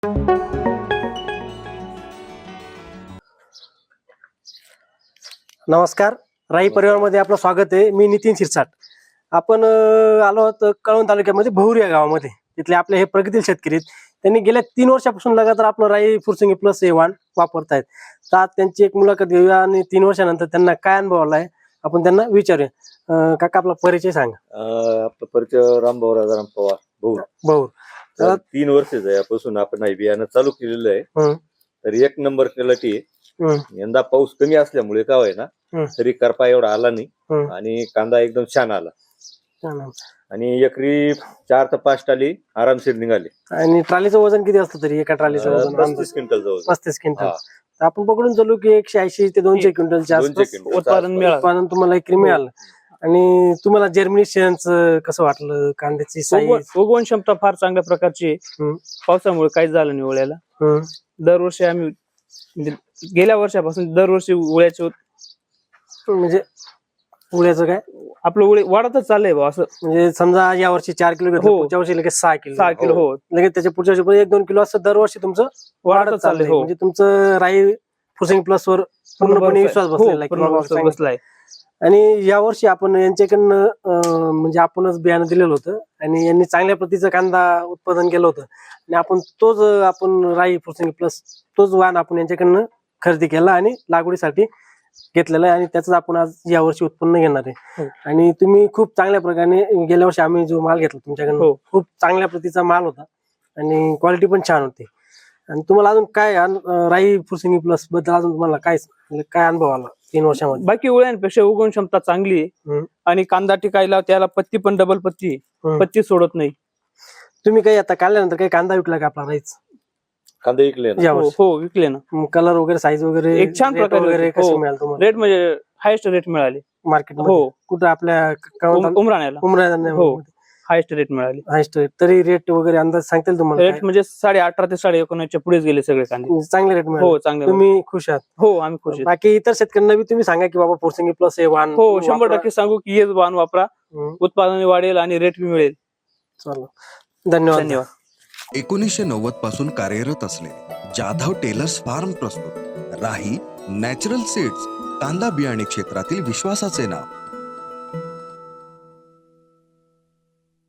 नमस्कार, राई परिवारमध्ये आपलं स्वागत आहे. मी नितीन शिरसाट. आपण आलो आहोत कळवण तालुक्यामध्ये बहुरी या गावामध्ये. तिथले आपले हे प्रगतील शेतकरी आहेत. त्यांनी गेल्या 3 वर्षापासून लगातार आपलं राई फुरसंगी प्लस हे वाण वापरतायत. तर आज त्यांची एक मुलाखत घेऊया आणि 3 वर्षानंतर त्यांना काय अनुभव आलाय आपण त्यांना विचारूया. काका, आपला परिचय सांगा. आपला परिचय रामभाऊ राजाराम पवार भाऊ. तर 3 वर्ष यापासून आपण हे बियाणं चालू केलेलं आहे. तर 1 नंबर क्वालिटी आहे. यंदा पाऊस कमी असल्यामुळे काय आहे ना, तरी करपा एवढा आला नाही आणि कांदा एकदम छान आला आणि एकरी 4 ते 5 टाली आरामशीर निघाले. आणि ट्रॉलीचं वजन किती असतं तरी एका ट्रॉलीचं वजन? 35 क्विंटल जवळ. 35 क्विंटल. आपण पकडून चालू की 180 ते 200 क्विंटलच्या आसपास उत्पादन तुम्हाला एकरी मिळालं. आणि तुम्हाला जर्मिनेशनचं कसं वाटलं? कांद्याची साईज, उगवण क्षमता फार चांगल्या प्रकारची आहे. पावसामुळे काहीच झालं नाही उळ्याला. दरवर्षी आम्ही म्हणजे गेल्या वर्षापासून दरवर्षी उळ्याचे म्हणजे उळ्याचं काय आपलं उळे वाढतच चाललंय बा. असं म्हणजे समजा या वर्षी 4 किलो घेतलं, पुढच्या वर्षी लगेच 6 किलो. हो, लगेच त्याच्या पुढच्या वर्षी 1-2 किलो असं दरवर्षी तुमचं वाढत चाललंय. म्हणजे तुमचं राई फुरसंगी प्लस वर पूर्णपणे विश्वास बसलाय. आणि या वर्षी आपण यांच्याकडनं म्हणजे आपणच बियाणं दिलेलं होतं आणि यांनी चांगल्या प्रतीचं कांदा उत्पादन केलं होतं आणि आपण राई फुरसंगी प्लस तोच वाण आपण यांच्याकडनं खरेदी केला आणि लागवडीसाठी घेतलेला आहे आणि त्याच आपण आज या वर्षी उत्पन्न घेणार आहे. आणि तुम्ही खूप चांगल्या प्रकारे, गेल्या वर्षी आम्ही जो माल घेतला तुमच्याकडनं खूप चांगल्या प्रतीचा माल होता आणि क्वालिटी पण छान होती. आणि तुम्हाला अजून काय राई फुरसंगी प्लस बद्दल अजून तुम्हाला काय अनुभव आला 3 वर्षामध्ये? बाकी उळ्यांपेक्षा उगवण क्षमता चांगली आहे आणि कांदा टिकायला त्याला पत्ती पण डबल पत्ती, पत्ती सोडत नाही. तुम्ही काही आता काढल्यानंतर काही कांदा विकला का आपला राईच? कांदे विकले? हो, विकले ना. कलर वगैरे, साईज वगैरे एक छान प्रकारे कसं मिळालं तुम्हाला? रेट म्हणजे हायेस्ट रेट मिळाले मार्केट. कुठं आपल्या उमराण्याला हायेस्ट रेट मिळाले. हायेस्ट रेट तरी रेट वगैरे अंदाज सांगतील तुम्हाला? रेट म्हणजे 18.5 ते 19.5 पुढेच गेले सगळे कांदे. चांगले रेट मिळाले. हो, चांगले. तुम्ही खुश आहात? हो, आम्ही खुश आहोत. बाकी इतर शेतकऱ्यांना बी तुम्ही सांगा की बाबा फुरसंगी प्लस हे वाण. हो, 100% सांगू की हेच वाण वापरा, उत्पादन वाढेल आणि रेट बी मिळेल. चला, धन्यवाद. 1990 पासून कार्यरत असलेले जाधव टेलर्स फार्म प्रस्तुत राही नॅचरल सीड्स, कांदा बियाणे क्षेत्रातील विश्वासाचे नाव.